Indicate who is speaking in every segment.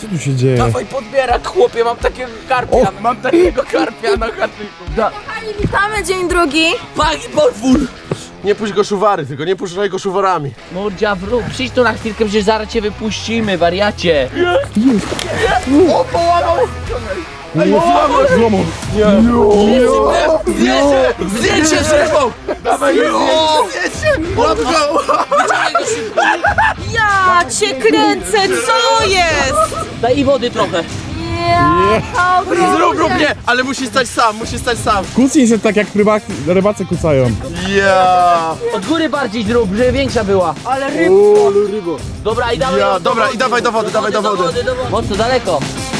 Speaker 1: Co tu się dzieje?
Speaker 2: Dawaj podbierak, chłopie, mam takiego karpia. Mam takiego karpia na chatyku.
Speaker 3: Kochani, witamy, dzień drugi.
Speaker 2: Pagi podwór!
Speaker 4: Nie puść go szuwary, tylko nie puszczaj go szuwarami.
Speaker 2: Mordzia, przyjdź tu na chwilkę, przecież zaraz cię wypuścimy, wariacie.
Speaker 4: O, połamał!
Speaker 1: Złomą.
Speaker 4: Zdjęcie z rybą! Dawaj, zdjęcie! Łap go!
Speaker 3: Ja cię kręcę, co jest?
Speaker 2: Daj i wody trochę.
Speaker 4: Zrób mnie! Ale musi stać sam.
Speaker 1: Kucnij się tak jak rybacy kucają.
Speaker 4: Ja!
Speaker 2: Od góry bardziej zrób, żeby większa była.
Speaker 3: Ale rybko.
Speaker 2: Dobra, i dawaj.
Speaker 4: Ja, dobra, i dawaj do wody, dawaj do wody.
Speaker 2: Mocno, daleko.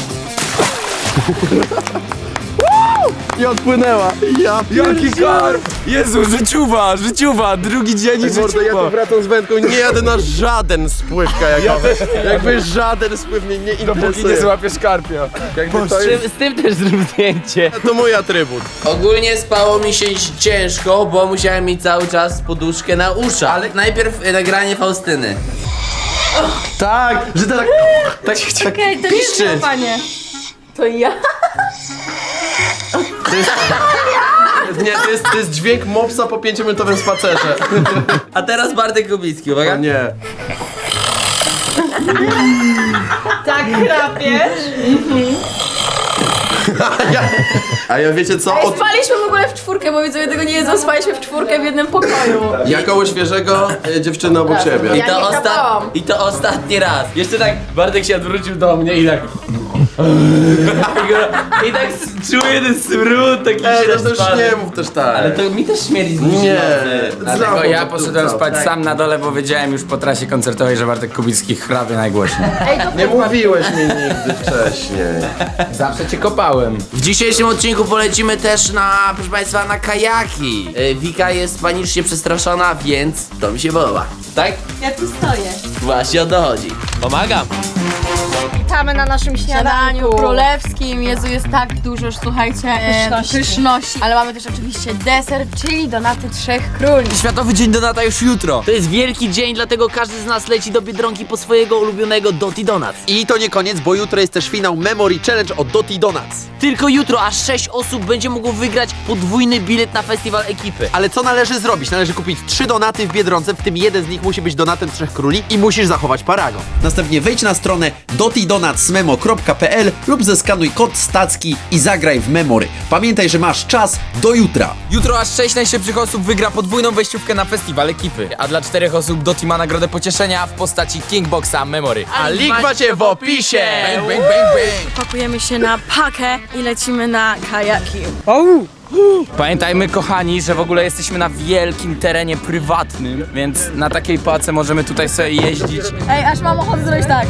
Speaker 4: I odpłynęła. Ja
Speaker 5: Jaki karp! Jezu, życiuwa, drugi dzień i
Speaker 4: Mordo, ja tu wracam z wędką, nie jadę na żaden spływ kajakowy. Jakby żaden spływ mnie nie
Speaker 5: Dopóki nie
Speaker 4: interesuje.
Speaker 5: złapiesz karpia.
Speaker 4: Jakby to jest,
Speaker 2: Z tym też zrób zdjęcie.
Speaker 4: to mój atrybut.
Speaker 2: Ogólnie spało mi się ciężko, bo musiałem mieć cały czas poduszkę na uszach. Ale najpierw nagranie Faustyny.
Speaker 4: Tak, że to tak
Speaker 3: Okej, to nie jest
Speaker 4: piszczy.
Speaker 3: panie. To ja.
Speaker 4: Nie, to jest dźwięk mopsa po 5-minutowym spacerze.
Speaker 2: A teraz Bartek Kubicki, uwaga.
Speaker 4: Nie.
Speaker 3: Tak chrapiesz?
Speaker 4: A ja wiecie co?
Speaker 3: Ej, spaliśmy w ogóle w czwórkę, bo widzowie tego nie jedzą, spaliśmy w czwórkę w jednym pokoju.
Speaker 4: Ja koło świeżego, dziewczyna obok siebie.
Speaker 3: Ja nie chrapałam.
Speaker 2: I to ostatni raz. Jeszcze tak Bartek się odwrócił do mnie i tak. I tak czuję ten smród taki
Speaker 4: Ej, no to już
Speaker 2: średni.
Speaker 4: nie mów też tak.
Speaker 2: Ale to mi też śmierdzi z
Speaker 4: Nie.
Speaker 5: Dlatego ja poszedłem spać sam na dole, bo wiedziałem już po trasie koncertowej, że Bartek Kubicki chrapie najgłośniej.
Speaker 3: Ej, to
Speaker 4: Nie mówiłeś mi nigdy wcześniej.
Speaker 5: Zawsze cię kopałem.
Speaker 2: W dzisiejszym odcinku polecimy też na, proszę państwa, na kajaki. Wika jest panicznie przestraszona, więc to mi się podoba. Tak?
Speaker 3: ja tu stoję.
Speaker 2: Właśnie o to chodzi. Pomagam.
Speaker 3: Witamy na naszym śniadaniu królewskim. Jezu, jest tak dużo, że słuchajcie, pyszności. Ale mamy też oczywiście deser, czyli donaty 3 króli.
Speaker 2: Światowy Dzień Donata już jutro. To jest wielki dzień, dlatego każdy z nas leci do Biedronki po swojego ulubionego Doty Donuts.
Speaker 4: I to nie koniec, bo jutro jest też finał Memory Challenge od Doty Donuts.
Speaker 2: Tylko jutro aż 6 osób będzie mogło wygrać podwójny bilet na festiwal ekipy.
Speaker 4: Ale co należy zrobić? Należy kupić 3 donaty w Biedronce, w tym jeden z nich musi być donatem 3 króli i musisz zachować paragon. Następnie wejdź na stronę dotydonatsmemo.pl lub zeskanuj kod stacki i zagraj w Memory. Pamiętaj, że masz czas do jutra.
Speaker 5: Jutro aż 6 najszybszych osób wygra podwójną wejściówkę na festiwal ekipy, a dla 4 osób Doti ma nagrodę pocieszenia w postaci Kingboxa Memory.
Speaker 4: A link macie w opisie!
Speaker 5: Bang, bang, bang, bang.
Speaker 3: Pakujemy się na pakę i lecimy na kajaki.
Speaker 5: Pamiętajmy, kochani, że w ogóle jesteśmy na wielkim terenie prywatnym, więc na takiej pace możemy tutaj sobie jeździć.
Speaker 3: Ej, aż mam ochotę zrobić tak.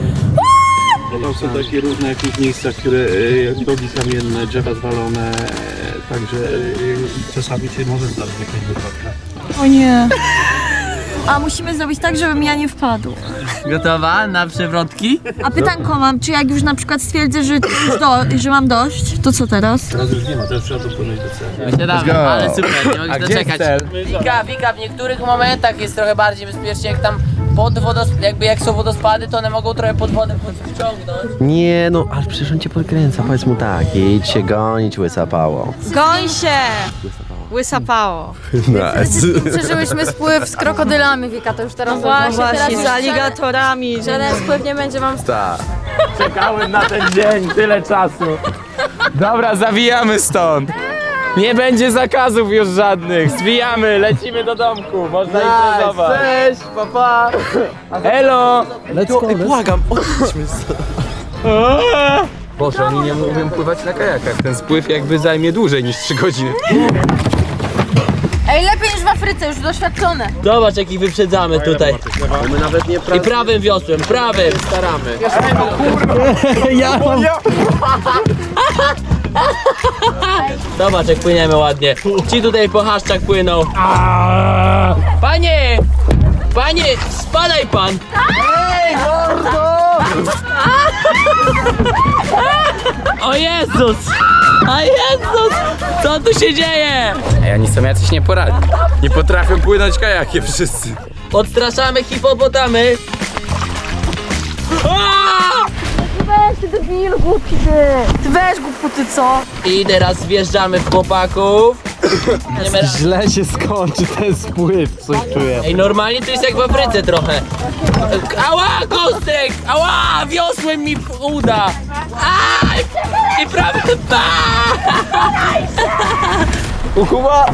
Speaker 6: Tam są takie różne jakieś miejsca, które drogi kamienne, drzewa zwalone, także czasami się może zdarzyć jakaś wypadka.
Speaker 3: O nie. A musimy zrobić tak, żebym ja nie wpadł.
Speaker 2: Gotowa na przewrotki?
Speaker 3: A pytanko mam, czy jak już na przykład stwierdzę, że mam dość, to co teraz?
Speaker 6: Teraz już nie ma, teraz trzeba dopłynąć do celu.
Speaker 2: Wysiadamy, ale super, nie mogę
Speaker 5: A
Speaker 2: się
Speaker 5: gdzie
Speaker 2: doczekać.
Speaker 5: jest cel?
Speaker 2: Wika, w niektórych momentach jest trochę bardziej bezpiecznie, jak tam jak są wodospady, to one mogą trochę pod wodę podciągnąć.
Speaker 4: Nie no, ale przecież on cię podkręca, powiedz mu tak, idź się gonić, łysapało.
Speaker 3: Goń się! Łysapało. Przeżyłyśmy spływ z krokodylami, Wika, to już teraz
Speaker 7: Właśnie, z aligatorami.
Speaker 3: Żaden spływ nie będzie wam
Speaker 5: Czekałem na ten dzień, tyle czasu. Dobra, zawijamy stąd. Nie będzie zakazów już żadnych. Zwijamy, lecimy do domku. Można imprezować.
Speaker 4: Cześć, papa!
Speaker 5: Elo!
Speaker 4: Błagam, odjdźmy stąd.
Speaker 5: Boże, oni nie umieją pływać na kajakach. Ten spływ jakby zajmie dłużej niż 3 godziny.
Speaker 3: Ej, lepiej niż w Afryce, już doświadczone.
Speaker 2: Zobacz, jakich wyprzedzamy tutaj.
Speaker 4: My nawet nie
Speaker 2: I prawym wiosłem, prawym.
Speaker 4: staramy.
Speaker 2: Zobacz, jak płyniemy ładnie. Ci tutaj po chaszczach płyną. Panie! Panie, spadaj pan! Ej, O Jezus! O Jezus! Co tu się dzieje?
Speaker 5: Ej, oni są jacyś nieporadni. Nie potrafią płynąć kajakiem wszyscy.
Speaker 2: Odstraszamy hipopotamy. Aaa!
Speaker 3: Ty weź głupoty, co?
Speaker 2: I teraz wjeżdżamy w chłopaków.
Speaker 5: Źle się skończy ten spływ, coś czuję.
Speaker 2: Ej, normalnie to jest jak w Afryce trochę. Ała, kostek! Ała, wiosłem mi uda! Aj! I prawie...
Speaker 5: Kuba!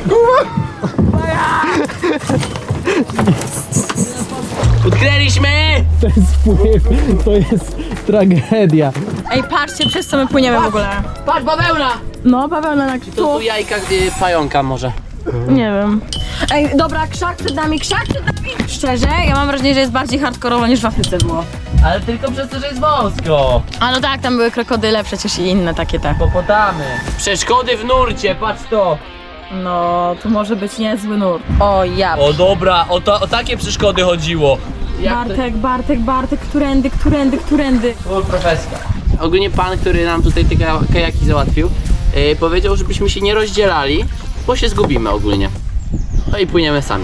Speaker 2: Utknęliśmy!
Speaker 5: Ten spływ to jest tragedia.
Speaker 3: Ej, patrzcie, przez co my płyniemy w ogóle.
Speaker 2: Patrz, bawełna!
Speaker 3: No, bawełna na
Speaker 2: To tu jajka pająka może.
Speaker 3: Nie wiem. Ej, dobra, krzak przed nami, krzak przed nami! Szczerze, ja mam wrażenie, że jest bardziej hardkorowo niż w Afryce było.
Speaker 2: Ale tylko przez to, że jest wąsko.
Speaker 3: A no tak, tam były krokodyle przecież i inne takie te.
Speaker 2: Popotamy. Przeszkody w nurcie, patrz to.
Speaker 3: No, to może być niezły nurt. O ja.
Speaker 2: O dobra, o takie przeszkody chodziło.
Speaker 3: Bartek, którędy?
Speaker 2: Full profeska. Ogólnie pan, który nam tutaj te kajaki załatwił, powiedział, żebyśmy się nie rozdzielali, bo się zgubimy ogólnie. No i płyniemy sami.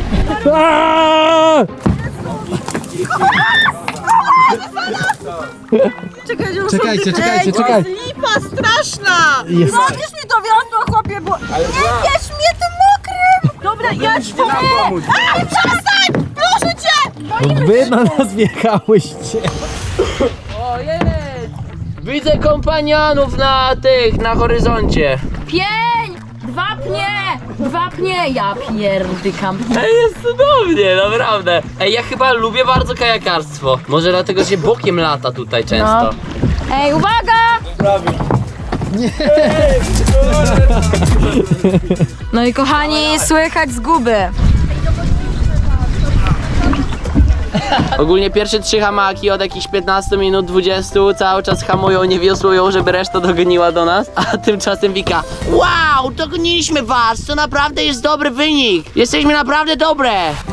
Speaker 5: Czekajcie.
Speaker 7: Lipa straszna! Zabierz mi to wiosło, chłopie, bo nie bierz mnie tym mokrym! Dobra, ja ci pomogę! Ale przestań! Proszę cię!
Speaker 5: Wy na nas wjechałyście.
Speaker 2: Widzę kompanionów na horyzoncie.
Speaker 3: Pień! Dwa pnie! Ja pierdykam.
Speaker 2: Ej, jest cudownie, naprawdę. Ej, ja chyba lubię bardzo kajakarstwo. Może dlatego, że bokiem lata tutaj często.
Speaker 3: Ej, uwaga! No i kochani, słychać zguby.
Speaker 2: Ogólnie pierwsze 3 hamaki od jakichś 15 minut, 20 cały czas hamują, nie wiosłują, żeby reszta dogoniła do nas. A tymczasem Wika: wow, dogoniliśmy was, to naprawdę jest dobry wynik. Jesteśmy naprawdę dobre.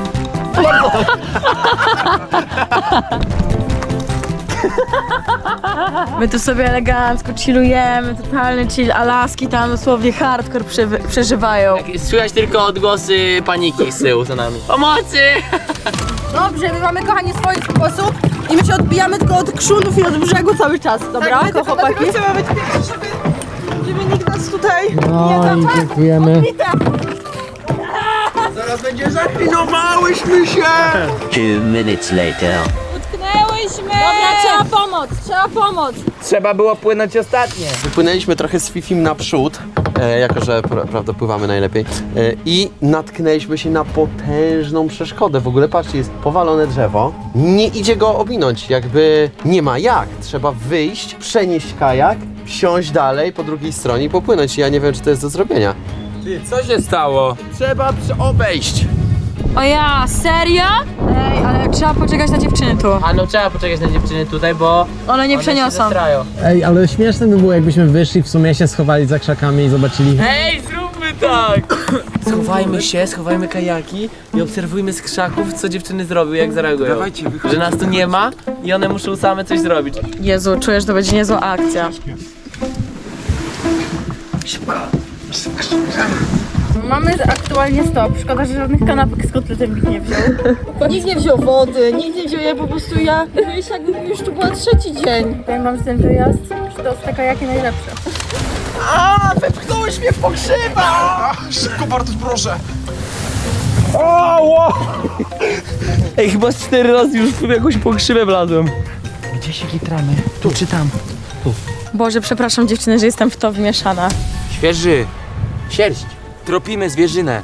Speaker 3: My tu sobie elegancko chillujemy, totalny chill, Alaski tam dosłownie hardcore przeżywają.
Speaker 2: Słychać tylko odgłosy paniki z tyłu za nami. Pomocy!
Speaker 7: Dobrze, my mamy, kochani, swój sposób i my się odbijamy tylko od krzunów i od brzegu cały czas, dobra? Tak, chłopaki? Chcemy być pierwsi, żeby nikt nas tutaj
Speaker 5: No i dziękujemy.
Speaker 6: Zaklinowałyśmy się!
Speaker 2: 2 minutes later.
Speaker 3: Dobra, trzeba pomoc!
Speaker 5: Trzeba było płynąć ostatnie.
Speaker 4: Wypłynęliśmy trochę z Fifim naprzód, jako że prawda pływamy najlepiej, i natknęliśmy się na potężną przeszkodę. W ogóle patrzcie, jest powalone drzewo, nie idzie go ominąć, jakby nie ma jak. Trzeba wyjść, przenieść kajak, wsiąść dalej po drugiej stronie i popłynąć. Ja nie wiem, czy to jest do zrobienia.
Speaker 5: Ty, co się stało?
Speaker 4: Trzeba obejść.
Speaker 3: O ja, serio? Ej, ale trzeba poczekać na dziewczyny tu.
Speaker 2: A no trzeba poczekać na dziewczyny tutaj, bo
Speaker 3: One nie
Speaker 2: się
Speaker 3: przeniosą.
Speaker 2: zestrają.
Speaker 5: Ej, ale śmieszne by było, jakbyśmy wyszli, w sumie się schowali za krzakami i zobaczyli.
Speaker 2: Ej, zróbmy tak! Schowajmy kajaki i obserwujmy z krzaków, co dziewczyny zrobią, jak zareagują. Że nas tu nie ma i one muszą same coś zrobić.
Speaker 3: Jezu, czuję, że to będzie niezła akcja. Mamy aktualnie stop. Szkoda, że żadnych kanapek z kotletem nikt nie wziął.
Speaker 7: Nikt nie wziął wody, nikt nie wziął, ja po prostu wiesz, jakby już tu była 3. dzień.
Speaker 3: Powiem wam, że ten wyjazd, że to jest kajaki najlepsze.
Speaker 6: Wepchnąłeś mnie w pokrzywa! Szybko, Bartuś, proszę!
Speaker 2: Ej, chyba z 4 razy już w jakąś pokrzywę wlazłem.
Speaker 5: Gdzie się gitramy? Tu czy tam?
Speaker 3: Boże, przepraszam dziewczyny, że jestem w to wmieszana.
Speaker 2: Świeży. Sierść.
Speaker 5: Tropimy zwierzynę.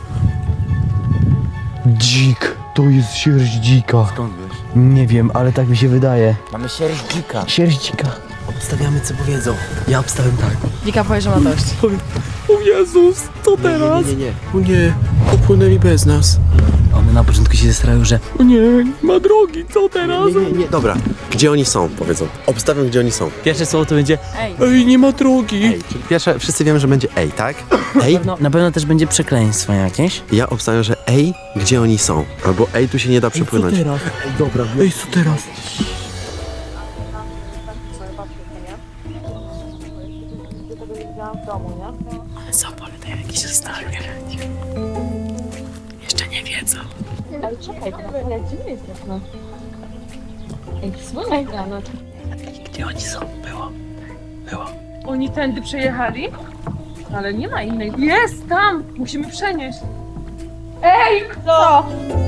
Speaker 5: Dzik. To jest sierść dzika.
Speaker 8: Skąd wiesz?
Speaker 5: Nie wiem, ale tak mi się wydaje.
Speaker 8: Mamy sierść dzika.
Speaker 5: Sierść dzika.
Speaker 8: Obstawiamy, co powiedzą. Ja obstawiam tak.
Speaker 3: Wika powie, że ma dość.
Speaker 2: O Jezus, co teraz?
Speaker 8: Nie.
Speaker 6: O nie, popłynęli bez nas.
Speaker 8: One na początku się zestrają, że
Speaker 2: O nie, ma drogi, co teraz?
Speaker 4: Nie, dobra. Gdzie oni są, powiedzą. Obstawiam, gdzie oni są.
Speaker 8: pierwsze słowo to będzie
Speaker 2: Ej, nie ma drogi.
Speaker 4: Ej, czyli pierwsze, wszyscy wiemy, że będzie ej, tak? Ej,
Speaker 8: na pewno też będzie przekleństwo jakieś.
Speaker 4: ja obstawiam, że ej, gdzie oni są. Albo ej, tu się nie da przepłynąć.
Speaker 6: Ej, co teraz?
Speaker 8: Co opowiadają jakieś historie. Jeszcze nie wiedzą. Gdzie oni są? Było.
Speaker 7: Oni tędy przejechali? Ale nie ma innej. Jest tam! Musimy przenieść. Ej! Co?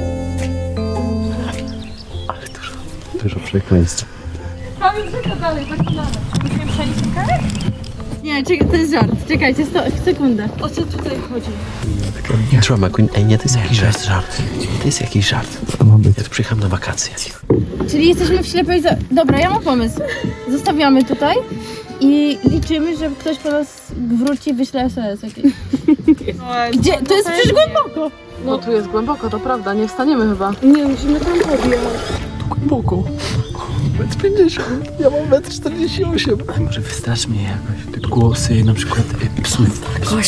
Speaker 6: Dużo przekleństw.
Speaker 7: Tam już tylko dalej, tak dalej. Musimy przenieść karę?
Speaker 3: Nie, to jest żart. Czekajcie, sekundę.
Speaker 7: O co tutaj chodzi?
Speaker 4: Drama Queen, ej, nie, to jest jakiś żart. To jest jakiś żart. Ja tu przyjechałem na wakacje.
Speaker 3: Czyli jesteśmy w ślepej... Dobra, ja mam pomysł. Zostawiamy tutaj i liczymy, że ktoś po nas wróci i wyśle SOS jakieś. Gdzie? To jest przecież głęboko.
Speaker 7: No tu jest głęboko, to prawda, nie wstaniemy chyba.
Speaker 3: Nie, musimy tam podjechać.
Speaker 6: Głęboko. 1,50 m. Ja mam 1,48 m.
Speaker 5: Ale może wystraszmy je jakoś. Te głosy, na przykład psów.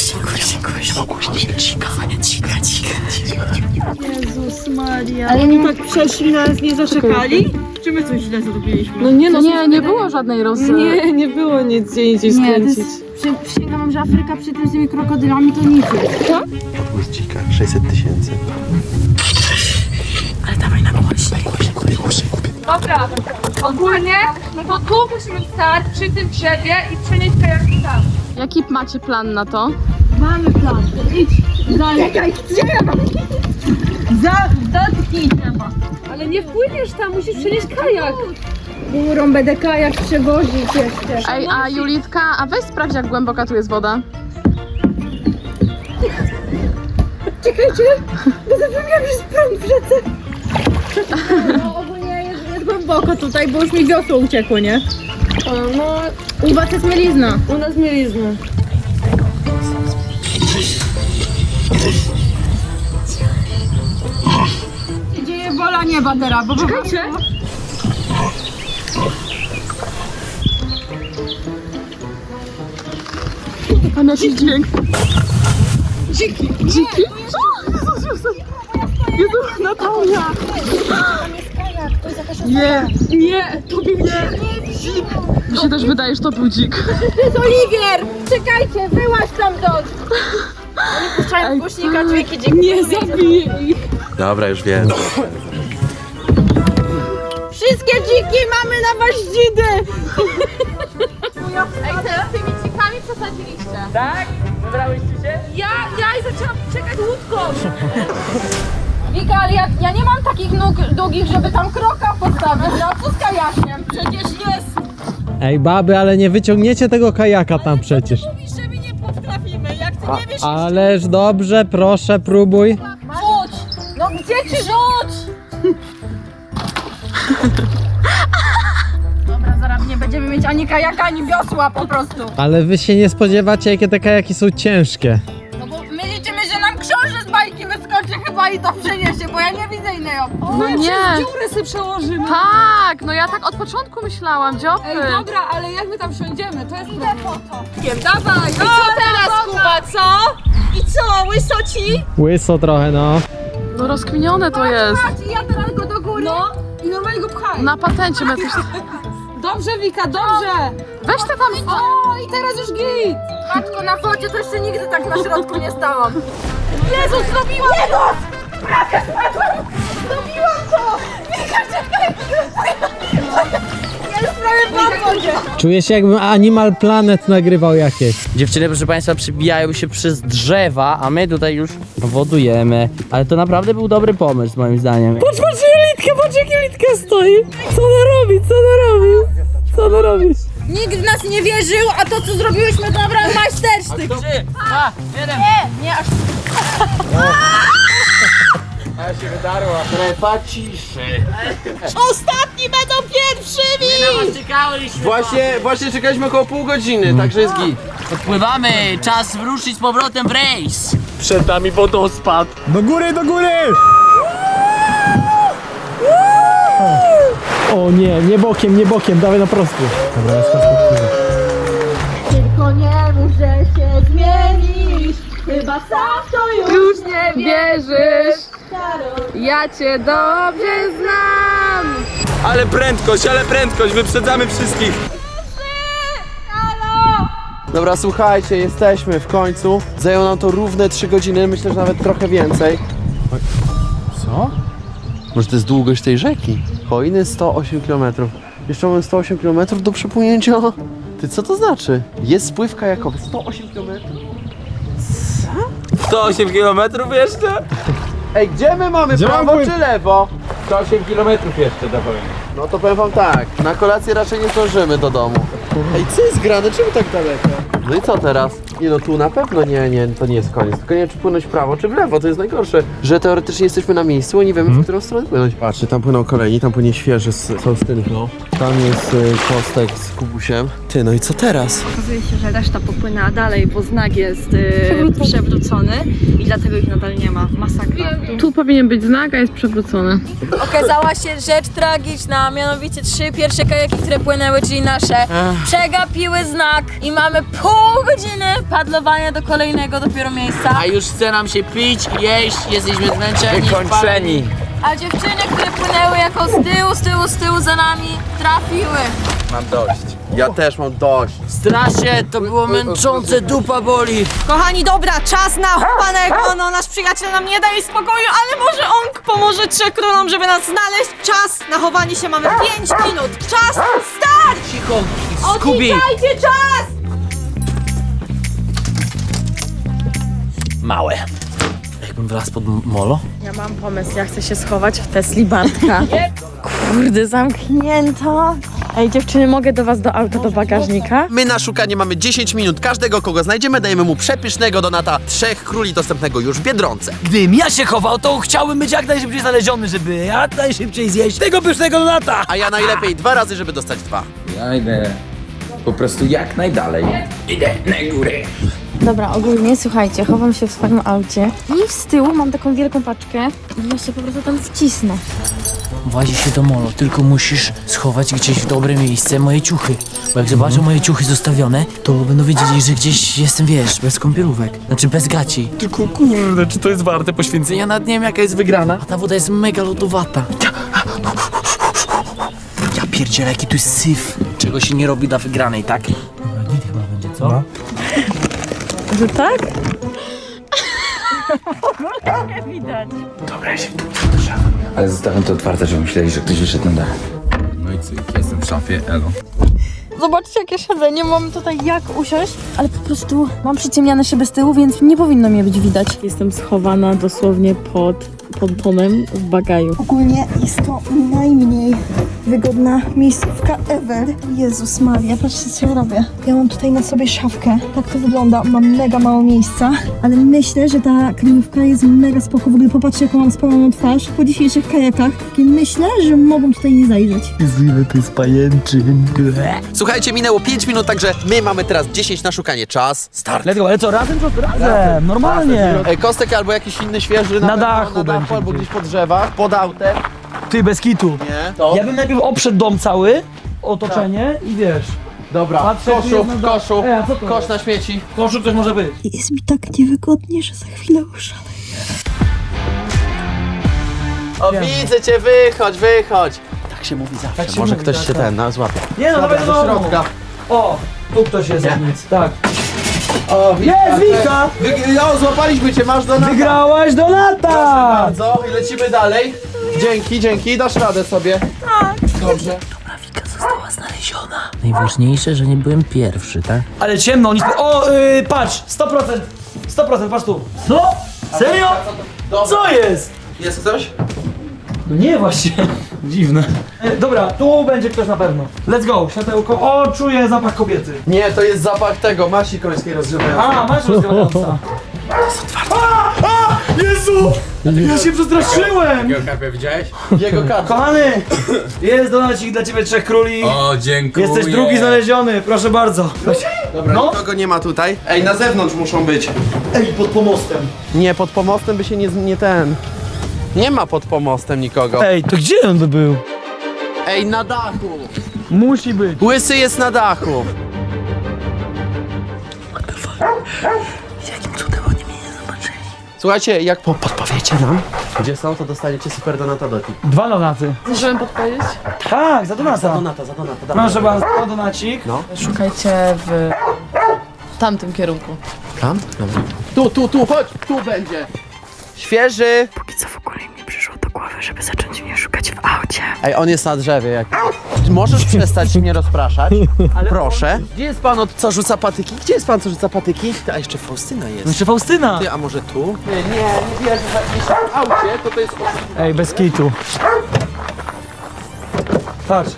Speaker 3: Jezus Maria.
Speaker 7: Ale oni tak przeszli nas, nie zaszekali? Czy my coś źle zrobiliśmy? No nie, no nie było żadnej rozmowy. Nie było nic gdzie indziej
Speaker 3: Nie, to
Speaker 7: skręcić.
Speaker 3: jest... Przysięgam, że Afryka przy tym z tymi krokodylami to nic.
Speaker 6: Odgłos dzika, 600 000.
Speaker 8: Ale dawaj na głośniej.
Speaker 7: Dobra, ogólnie, no to tu musimy stać przy tym drzewie i przenieść kajaki tam. Jaki macie plan na to?
Speaker 3: Mamy plan. Idź. Czekaj, gdzie ja mam? Dotknij trzeba.
Speaker 7: Ale nie wpłyniesz tam, musisz przenieść kajak.
Speaker 3: Górą będę kajak przewozić jeszcze.
Speaker 7: Ej, a Julitka, a weź sprawdź jak głęboka tu jest woda.
Speaker 3: Czekajcie, bo zapomniałam, że jest prąd w rzece. No ogólnie jest głęboko tutaj, bo już mi wiosło uciekło, nie?
Speaker 7: No,
Speaker 3: U was jest mielizna.
Speaker 7: u nas mielizna.
Speaker 3: Dzieje wola nieba teraz, bo
Speaker 7: Czekajcie. A nasz dźwięk. Dziki. Dziki? Jezu, Natalia! Nie, nie, to był nie. Dzik. Mi się też wydaje, że to był dzik.
Speaker 3: To jest Oliwier! Czekajcie, wyłaź tam dot! Oni puszczają z głośnika dźwięki dzięki.
Speaker 7: Nie zabiję ich.
Speaker 4: Dobra, już wiem.
Speaker 3: Wszystkie dziki mamy na waździdy!
Speaker 7: Ej, teraz tymi dzikami przesadziliście.
Speaker 5: Tak? Wybrałyście się?
Speaker 7: Ja zaczęłam czekać łódką.
Speaker 3: Wika, ale ja nie mam takich nóg długich, żeby tam kroka postawić. No co z kajakiem? Przecież jest!
Speaker 9: Ej baby, ale nie wyciągniecie tego kajaka tam przecież.
Speaker 7: Mówisz, że my nie potrafimy, jak ty nie wiesz.
Speaker 9: Ależ dobrze, proszę, próbuj.
Speaker 3: Rzuć! No gdzie ci rzuć? Dobra, zaraz nie będziemy mieć ani kajaka, ani wiosła po prostu.
Speaker 9: Ale wy się nie spodziewacie, jakie te kajaki są ciężkie.
Speaker 3: No bo my liczymy, że nam książę z bajki wyskoczy chyba i to przeniesie, bo ja nie widzę innej opcji.
Speaker 7: No nie. Dziurę sobie przełożymy. Tak, no ja tak od początku myślałam, dziopy. Ej, dobra, ale jak my tam wsiądziemy, to jest problem. Dawaj, i co teraz, Kuba, co? I co, łyso ci?
Speaker 9: Łyso trochę, no.
Speaker 7: No rozkminione to jest.
Speaker 3: Ja teraz go do góry i normalnie go pchaj.
Speaker 7: Na patencie my też...
Speaker 3: Dobrze, Wika, dobrze!
Speaker 7: Weź te tam...
Speaker 3: O, i teraz już git! Matko, na focie to jeszcze nigdy tak na środku nie stałam. Jezus, zrobiłam! Jezus! Prawie spadłam! Zrobiłam to! Wika, czekaj! Ja już prawie padłam!
Speaker 9: Czuję się, jakbym Animal Planet nagrywał jakieś.
Speaker 8: Dziewczyny, proszę państwa, przybijają się przez drzewa, a my tutaj już wodujemy. Ale to naprawdę był dobry pomysł, moim zdaniem.
Speaker 9: Patrz Julitka, patrz jak Julitka stoi. Co ona robi, co ona robi? Co ona robi?
Speaker 3: Nikt w nas nie wierzył, a to co zrobiłyśmy to naprawdę majstersztyk.
Speaker 8: 3, 2, 1.
Speaker 3: Nie, aż...
Speaker 5: A się wydarła. Strefa ciszy.
Speaker 7: Ostatni będą pierwszymi!
Speaker 5: Właśnie czekaliśmy około pół godziny, także jest git.
Speaker 8: Odpływamy, czas wruszyć z powrotem w rejs.
Speaker 5: Przed nami wodospad.
Speaker 9: Do góry, do góry! O nie, nie bokiem, dawaj na prostu. Dobra, jest
Speaker 3: Tylko nie mów, że się zmienisz. Chyba sam to
Speaker 7: Już nie wierzysz, ja cię dobrze znam.
Speaker 5: Ale prędkość, wyprzedzamy wszystkich. Dobra, słuchajcie, jesteśmy w końcu. Zajęło nam to równe 3 godziny, myślę, że nawet trochę więcej.
Speaker 9: Co?
Speaker 5: Może to jest długość tej rzeki? Hojny 108 km. Jeszcze mamy 108 km do przepłynięcia.
Speaker 4: Ty, co to znaczy? Jest spływ kajakowy, 108 km.
Speaker 5: 108 km jeszcze?
Speaker 4: Ej, gdzie my mamy,
Speaker 1: Gdzie
Speaker 4: prawo
Speaker 1: mam pływ?
Speaker 4: czy lewo?
Speaker 5: 108 km jeszcze do wojny.
Speaker 4: No to powiem wam tak, na kolację raczej nie zdążymy do domu. Ej, co jest grane? Czemu tak daleko? No i co teraz? Nie no, tu na pewno nie, to nie jest koniec. Tylko nie wiem, czy płynąć w prawo, czy w lewo, to jest najgorsze. Że teoretycznie jesteśmy na miejscu, a nie wiemy, w którą stronę płynąć. Patrzcie, tam płyną kolejni, tam płynie świeży z Faustynką. Tam jest Kostek z Kubusiem. Ty, no i co teraz?
Speaker 3: Okazuje się, że reszta popłynęła dalej, bo znak jest przewrócony i dlatego ich nadal nie ma. Masakra.
Speaker 9: Tu powinien być znak, a jest przewrócony.
Speaker 3: Okazała się rzecz tragiczna, mianowicie 3 pierwsze kajaki, które płynęły, czyli nasze, przegapiły znak i mamy pół godziny padlowania do kolejnego dopiero miejsca.
Speaker 2: A już chce nam się pić, jeść, jesteśmy zmęczeni.
Speaker 5: Wykończeni.
Speaker 3: A dziewczyny, które płynęły jako z tyłu za nami, trafiły.
Speaker 5: Mam dość.
Speaker 4: Ja też mam dość.
Speaker 2: Strasznie, to było męczące, dupa boli.
Speaker 7: Kochani, dobra, czas na chowanego. No, nasz przyjaciel nam nie daje spokoju, ale może on pomoże 3 królonom, żeby nas znaleźć. Czas na chowanie się, mamy 5 minut. Czas, start!
Speaker 2: Cicho, Skubi.
Speaker 7: Odliczajcie czas!
Speaker 2: Małe. Jakbym wlazł pod molo?
Speaker 3: Ja mam pomysł, ja chcę się schować w Tesli Bartka. Kurde, zamknięto. Ej, dziewczyny, mogę do was do auta, do bagażnika?
Speaker 4: My na szukanie mamy 10 minut. Każdego, kogo znajdziemy, dajemy mu przepysznego donata 3 króli dostępnego już w Biedronce.
Speaker 10: Gdybym ja się chował, to chciałbym być jak najszybciej znaleziony, żeby jak najszybciej zjeść tego pysznego donata.
Speaker 4: A ja najlepiej 2 razy, żeby dostać 2.
Speaker 5: Ja idę po prostu jak najdalej. Idę na górę.
Speaker 3: Dobra, ogólnie, słuchajcie, chowam się w swoim aucie i z tyłu mam taką wielką paczkę i ja się po prostu tam wcisnę.
Speaker 2: Włazi się do molo, tylko musisz schować gdzieś w dobre miejsce moje ciuchy. Bo jak zobaczą moje ciuchy zostawione, to będą wiedzieli, że gdzieś jestem, wiesz, bez kąpielówek. Znaczy bez gaci. Tylko kurde, czy to jest warte poświęcenia? Nad nie wiem, jaka jest wygrana. A ta woda jest mega lodowata. Ja pierdzielę, jaki tu jest syf. Czego się nie robi dla wygranej, tak? Dobra, git chyba będzie, co?
Speaker 3: Że tak?
Speaker 5: Dobra, ja się tu przepraszam. Ale zostawiam to otwarte, żeby myśleli, że ktoś wyszedł na dach. No i cyk, jestem w szafie, elo.
Speaker 3: Zobaczcie, jak ja siedzę, nie mam tutaj jak usiąść, ale po prostu mam przyciemniane szyby z tyłu, więc nie powinno mnie być widać. Jestem schowana dosłownie pod pontonem w bagaju.
Speaker 11: Ogólnie jest to najmniej wygodna miejscówka ever. Jezus Maria, patrzcie co ja robię. Ja mam tutaj na sobie szafkę. Tak to wygląda. Mam mega mało miejsca, ale myślę, że ta kryjówka jest mega spoko. W ogóle popatrzcie, jaką mam spaloną twarz po dzisiejszych kajakach. I myślę, że mogą tutaj nie zajrzeć.
Speaker 4: Słuchajcie, minęło 5 minut, także my mamy teraz 10 na szukanie. Czas, start.
Speaker 10: Let's go, ale co, razem czy razem? Normalnie.
Speaker 4: Ej, Kostek albo jakiś inny świeży
Speaker 10: Na dachu będzie
Speaker 4: albo
Speaker 10: gdzieś.
Speaker 4: gdzieś po drzewach, pod autem.
Speaker 10: Ty, bez kitu.
Speaker 4: Nie? To?
Speaker 10: Ja bym najpierw obszedł dom cały, otoczenie i wiesz,
Speaker 4: Dobra,
Speaker 10: Patrzę, czy
Speaker 4: koszu,
Speaker 10: jest na dole.
Speaker 4: koszu,
Speaker 10: Ej, a co to
Speaker 4: kosz
Speaker 10: jest?
Speaker 4: na śmieci.
Speaker 10: w koszu coś może być.
Speaker 11: Jest mi tak niewygodnie, że za chwilę uszalę.
Speaker 4: O, widzę cię, wychodź, wychodź. Tak się mówi zawsze,
Speaker 10: Tak się
Speaker 4: może
Speaker 10: mówi,
Speaker 4: ktoś
Speaker 10: tak,
Speaker 4: się
Speaker 10: tak.
Speaker 4: złapie.
Speaker 10: Nie no,
Speaker 4: Dobra,
Speaker 10: dawaj
Speaker 4: do
Speaker 10: do domu.
Speaker 4: środka.
Speaker 10: O, tu ktoś jest,
Speaker 4: Nie?
Speaker 10: nic, tak.
Speaker 4: O,
Speaker 10: Jest, Wika!
Speaker 4: O, złapaliśmy cię, masz do nas.
Speaker 10: Wygrałaś do lata!
Speaker 4: Bardzo i lecimy dalej. Dzięki, dasz radę sobie. Tak. Dobrze.
Speaker 2: Wika została znaleziona. Najważniejsze, że nie byłem pierwszy, tak?
Speaker 10: Ale ciemno, nic... O, patrz, 100%, 100%, patrz tu. Co? Serio? Co jest?
Speaker 4: Jest coś?
Speaker 10: No nie, właśnie. Dziwne. Dobra, tu będzie ktoś na pewno. Let's go, światełko. O, czuję zapach kobiety.
Speaker 4: Nie, to jest zapach tego, masi końskiej rozgrzewającej.
Speaker 10: A, masz rozgrywająca. Jezu! Ja się przestraszyłem!
Speaker 5: Geokarpia widziałeś?
Speaker 4: Jego karta.
Speaker 10: Kochany! Jest donacik dla ciebie 3 króli.
Speaker 5: O, dziękuję.
Speaker 10: Jesteś drugi znaleziony, proszę bardzo.
Speaker 4: Dobra,
Speaker 10: No.
Speaker 4: nikogo nie ma tutaj. Ej, na zewnątrz muszą być.
Speaker 10: Ej, pod pomostem.
Speaker 4: Nie, pod pomostem by się nie ten... Nie ma pod pomostem nikogo.
Speaker 10: Ej, to gdzie on by był?
Speaker 4: Ej, na dachu.
Speaker 10: Musi być.
Speaker 4: Łysy jest na dachu.
Speaker 2: Jakim cudem oni mnie nie zobaczyli?
Speaker 4: Słuchajcie, jak podpowiecie nam, gdzie są, to dostaniecie super donata do tip.
Speaker 10: 2 donaty.
Speaker 9: Możemy podpowiedzieć?
Speaker 10: Tak, za donata.
Speaker 4: Za donata,
Speaker 10: Proszę bardzo, donacik.
Speaker 4: No.
Speaker 9: Szukajcie w tamtym kierunku.
Speaker 4: Tam? Dobra. Tu, chodź, tu będzie. Świeży.
Speaker 3: Póki co w ogóle mi przyszło do głowy, żeby zacząć mnie szukać w aucie.
Speaker 4: Ej, on jest na drzewie. Jak... możesz przestać mnie rozpraszać? Proszę. Gdzie jest pan, co rzuca patyki? Gdzie jest pan, co rzuca patyki? A jeszcze Faustyna jest.
Speaker 10: Jeszcze Faustyna!
Speaker 4: Ty, a może tu? Nie wierzę, że jeśli w aucie, to jest...
Speaker 10: Ej, bez kitu. Patrz.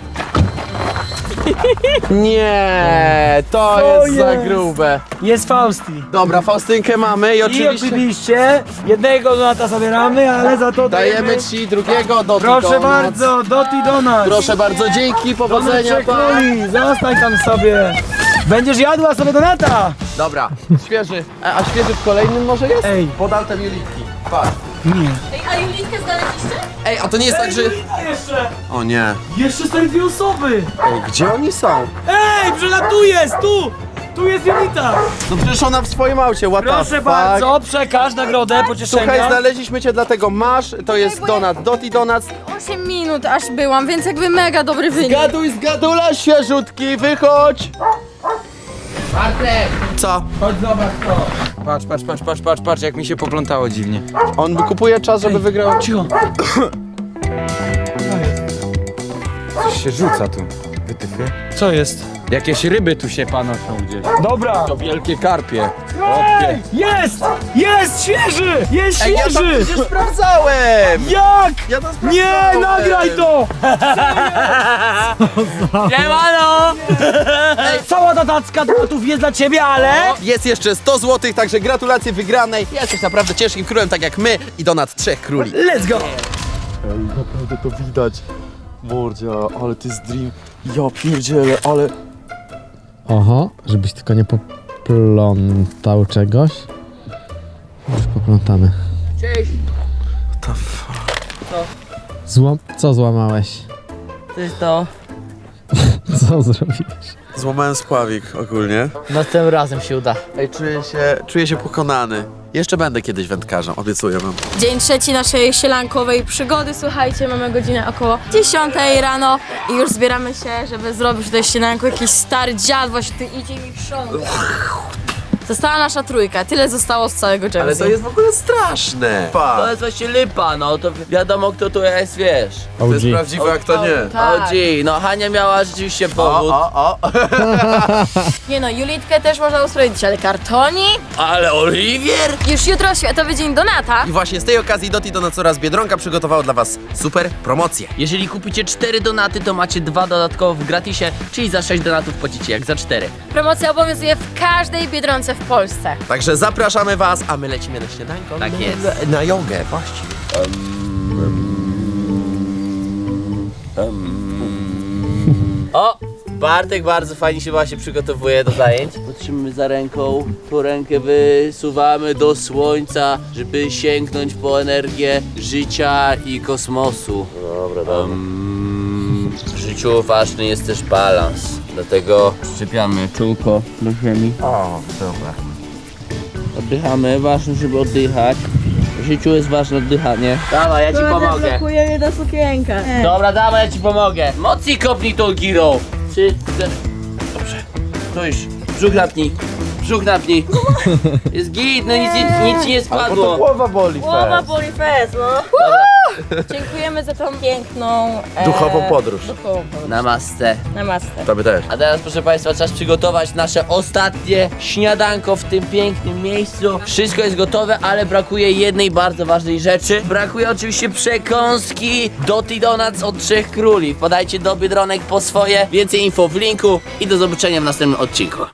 Speaker 4: Nie, to
Speaker 10: Co
Speaker 4: jest za
Speaker 10: jest?
Speaker 4: grube.
Speaker 10: Jest Fausti.
Speaker 4: Dobra, Faustynkę mamy i
Speaker 10: I
Speaker 4: oczywiście
Speaker 10: oczywiście jednego donata zabieramy, ale za to
Speaker 4: dajemy ci drugiego do
Speaker 10: Proszę bardzo, Doti Donat.
Speaker 4: Proszę bardzo, dzięki, powodzenia pan.
Speaker 10: Króli, zostań tam sobie. Będziesz jadła sobie donata.
Speaker 4: Dobra, świeży. A świeży w kolejnym może jest?
Speaker 10: Ej.
Speaker 4: Pod altem Julitki. Patrz.
Speaker 10: Nie.
Speaker 7: A Julitkę znaleźliście?
Speaker 4: Ej, a to nie jest tak, że...
Speaker 10: A jeszcze.
Speaker 4: O nie.
Speaker 10: Jeszcze stary 2 osoby.
Speaker 4: Ej, gdzie oni są?
Speaker 10: Ej, tu jest, tu. Tu jest Julita.
Speaker 4: No przecież ona w swoim aucie, what the
Speaker 10: Proszę
Speaker 4: fuck?
Speaker 10: bardzo, przekaż nagrodę pocieszenia.
Speaker 4: Słuchaj, znaleźliśmy cię, dlatego masz, to jest donat, Doti Donuts.
Speaker 3: 8 minut aż byłam, więc jakby mega dobry wynik.
Speaker 4: Gaduj z gadula, świeżutki, wychodź!
Speaker 2: Bartek!
Speaker 4: Co?
Speaker 5: Chodź zobacz to. Patrz, jak mi się poplątało dziwnie.
Speaker 4: On kupuje czas, żeby wygrał.
Speaker 10: Cicho.
Speaker 5: Coś się rzuca tu. Wytyfy.
Speaker 10: Co jest?
Speaker 5: Jakieś ryby tu się panoszą gdzieś.
Speaker 10: Dobra.
Speaker 5: To wielkie karpie.
Speaker 10: Ej, jest! Jest świeży! Jest
Speaker 4: Ej, ja tam
Speaker 10: świeży!
Speaker 4: przecież sprawdzałem!
Speaker 10: Jak?
Speaker 4: Ja to
Speaker 10: Nie,
Speaker 4: sprawdzałem!
Speaker 10: nagraj to!
Speaker 8: Siemano!
Speaker 10: Cała datacka donatów jest dla ciebie, ale...
Speaker 4: Jest jeszcze 100 zł, także gratulacje wygranej. Jesteś naprawdę ciężkim królem, tak jak my i donat 3 króli.
Speaker 10: Let's go!
Speaker 6: Naprawdę to widać. Mordzia, ale ty jest dream. Ja pierdzielę, ale...
Speaker 1: Oho, żebyś tylko nie poplątał czegoś. Już poplątamy.
Speaker 2: Cześć!
Speaker 1: Co złamałeś?
Speaker 8: To jest to.
Speaker 1: Co zrobiłeś?
Speaker 4: Złamałem spławik ogólnie.
Speaker 8: Następnym razem się uda.
Speaker 4: Ej, czuję się pokonany. Jeszcze będę kiedyś wędkarzem, obiecuję wam.
Speaker 3: Dzień trzeci naszej sielankowej przygody. Słuchajcie, mamy godzinę około 10 rano i już zbieramy się, żeby zrobić tutaj śniadanko. Jakiś stary dziad właśnie tu idzie mi krząta. Została nasza trójka, tyle zostało z całego Jamesa.
Speaker 4: Ale to jest w ogóle straszne.
Speaker 8: To jest właśnie lipa, no to wiadomo kto tu jest, wiesz.
Speaker 4: To jest prawdziwe, jak to nie.
Speaker 3: Tak.
Speaker 8: OG, no Hania miała rzeczywiście powód.
Speaker 4: O.
Speaker 3: Nie no, Julitkę też można usprawiedliwić, ale kartoni?
Speaker 8: Ale Oliwier?
Speaker 3: Już jutro Światowy Dzień Donata.
Speaker 4: I właśnie z tej okazji Doti Donuts oraz Biedronka przygotowało dla was super promocję.
Speaker 8: Jeżeli kupicie 4 donaty, to macie 2 dodatkowo w gratisie, czyli za 6 donatów płacicie jak za 4.
Speaker 3: Promocja obowiązuje w każdej Biedronce w Polsce.
Speaker 4: Także zapraszamy was, a my lecimy na śniadanko.
Speaker 8: Tak jest.
Speaker 4: Na jogę, właściwie.
Speaker 8: O! Bartek bardzo fajnie się właśnie przygotowuje do zajęć. Trzymamy za ręką, tu rękę wysuwamy do słońca, żeby sięgnąć po energię życia i kosmosu. Dobra. W życiu ważny jest też balans, dlatego szczepiamy czółko do ziemi.
Speaker 4: O, dobra.
Speaker 8: Oddychamy, ważne żeby oddychać. W życiu jest ważne oddychanie. Dawaj, ja ci pomogę.
Speaker 3: Blokuje mnie ta sukienka.
Speaker 8: Dobra, dawaj, ja ci pomogę. Mocniej kopnij tą girą. 3, 4. Dobrze. Stój. Brzuch napnij. Brzuch napnij. Jest git, no nic ci nie spadło.
Speaker 4: Głowa boli,
Speaker 3: Głowa boli fest, no. Dziękujemy za tą piękną...
Speaker 4: Duchową podróż.
Speaker 3: Duchową podróż.
Speaker 8: Namaste.
Speaker 3: Namaste.
Speaker 4: Tobie też.
Speaker 8: A teraz, proszę Państwa, czas przygotować nasze ostatnie śniadanko w tym pięknym miejscu. Wszystko jest gotowe, ale brakuje jednej bardzo ważnej rzeczy. Brakuje oczywiście przekąski Doti Donuts od 3 króli. Podajcie do Biedronek po swoje. Więcej info w linku i do zobaczenia w następnym odcinku.